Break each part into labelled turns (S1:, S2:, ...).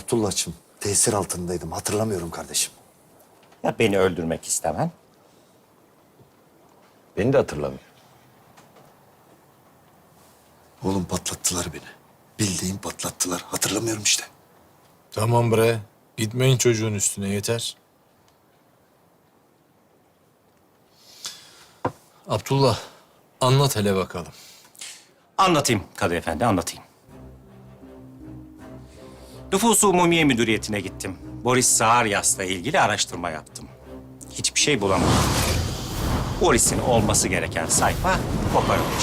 S1: Abdullah'cığım, tesir altındaydım. Hatırlamıyorum kardeşim.
S2: Ya beni öldürmek istemen?
S3: Beni de hatırlamıyor.
S1: Oğlum patlattılar beni. Bildiğin patlattılar. Hatırlamıyorum işte.
S4: Tamam bre. Gitmeyin çocuğun üstüne yeter. Abdullah, anlat hele bakalım.
S2: Anlatayım Kadı Efendi, anlatayım. Nüfus-u Umumiye Müdüriyeti'ne gittim. Boris Zaharyas'la ilgili araştırma yaptım. Hiçbir şey bulamadım. Boris'in olması gereken sayfa koparılmış.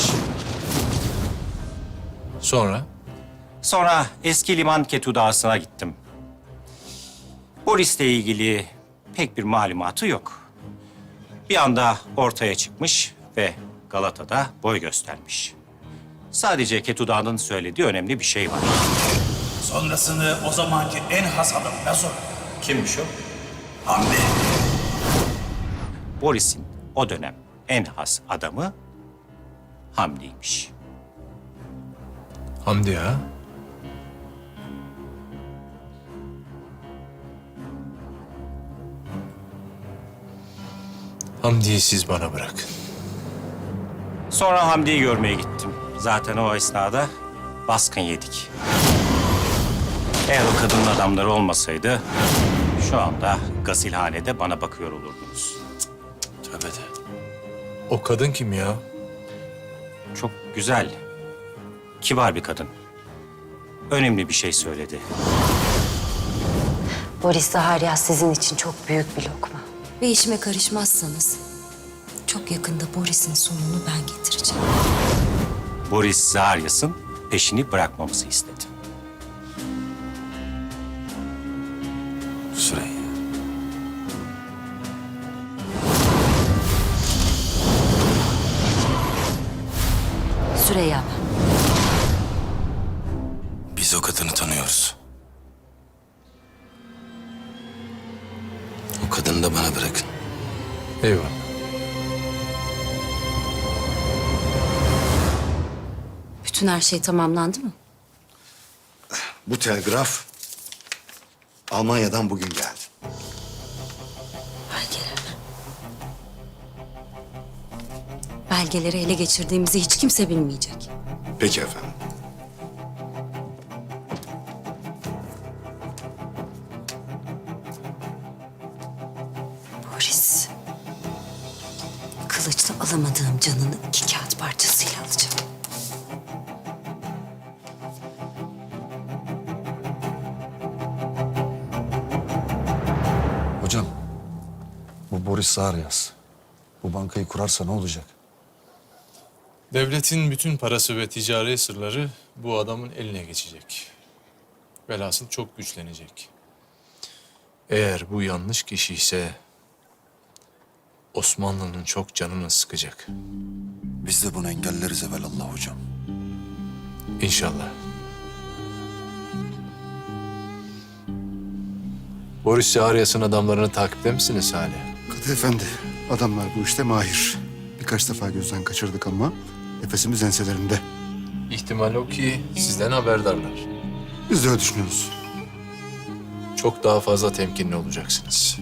S4: Sonra?
S2: Sonra eski liman ketudasına gittim. Boris'le ilgili pek bir malumatı yok. Bir anda ortaya çıkmış ve Galata'da boy göstermiş. Sadece Ketuda'nın söylediği önemli bir şey var.
S5: Sonrasını o zamanki en has adamına sor.
S2: Kimmiş o?
S5: Hamdi.
S2: Boris'in o dönem en has adamı Hamdi'ymiş.
S4: Hamdi ha? Hamdi'yi siz bana bırakın.
S2: Sonra Hamdi'yi görmeye gittim. Zaten o esnada baskın yedik. Eğer o kadının adamları olmasaydı şu anda gasilhanede bana bakıyor olurdunuz.
S4: Tövbe de. O kadın kim ya?
S2: Çok güzel, kibar bir kadın. Önemli bir şey söyledi.
S6: Boris Zaharyas sizin için çok büyük bir lokma. Ve işime karışmazsanız çok yakında Boris'in sonunu ben getireceğim.
S2: Boris Zaharyas'ın peşini bırakmamızı istedi.
S1: Süreyya.
S6: Süreyya ben.
S1: Biz o kadını tanıyoruz. O kadını da bana bırakın.
S4: Eyvallah.
S6: Bütün her şey tamamlandı mı?
S1: Bu telgraf Almanya'dan bugün geldi.
S6: Belgeler. Belgeleri ele geçirdiğimizi hiç kimse bilmeyecek.
S1: Peki efendim.
S6: Boris. Kılıçla alamadığım canını 2 kağıt parçasıyla alacağım.
S1: Hocam, bu Boris Zaharyas. Bu bankayı kurarsa ne olacak?
S4: Devletin bütün parası ve ticari sırları bu adamın eline geçecek. Velhasıl çok güçlenecek. Eğer bu yanlış kişi ise Osmanlı'nın çok canını sıkacak.
S1: Biz de bunu engelleriz evelallah hocam.
S4: İnşallah. Boris Zaharyas'ın adamlarını takipte misiniz hala?
S7: Kadı efendi, adamlar bu işte mahir. Birkaç defa gözden kaçırdık ama nefesimiz enselerinde.
S4: İhtimal o ki sizden haberdarlar.
S7: Biz de öyle düşünüyoruz.
S4: Çok daha fazla temkinli olacaksınız.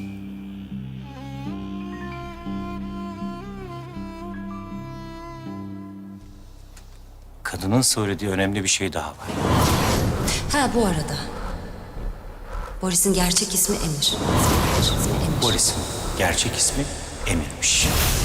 S2: Kadının söylediği önemli bir şey daha var.
S6: Ha bu arada. Boris'in gerçek ismi Emir. Emir.
S2: Boris'in gerçek ismi Emir'miş.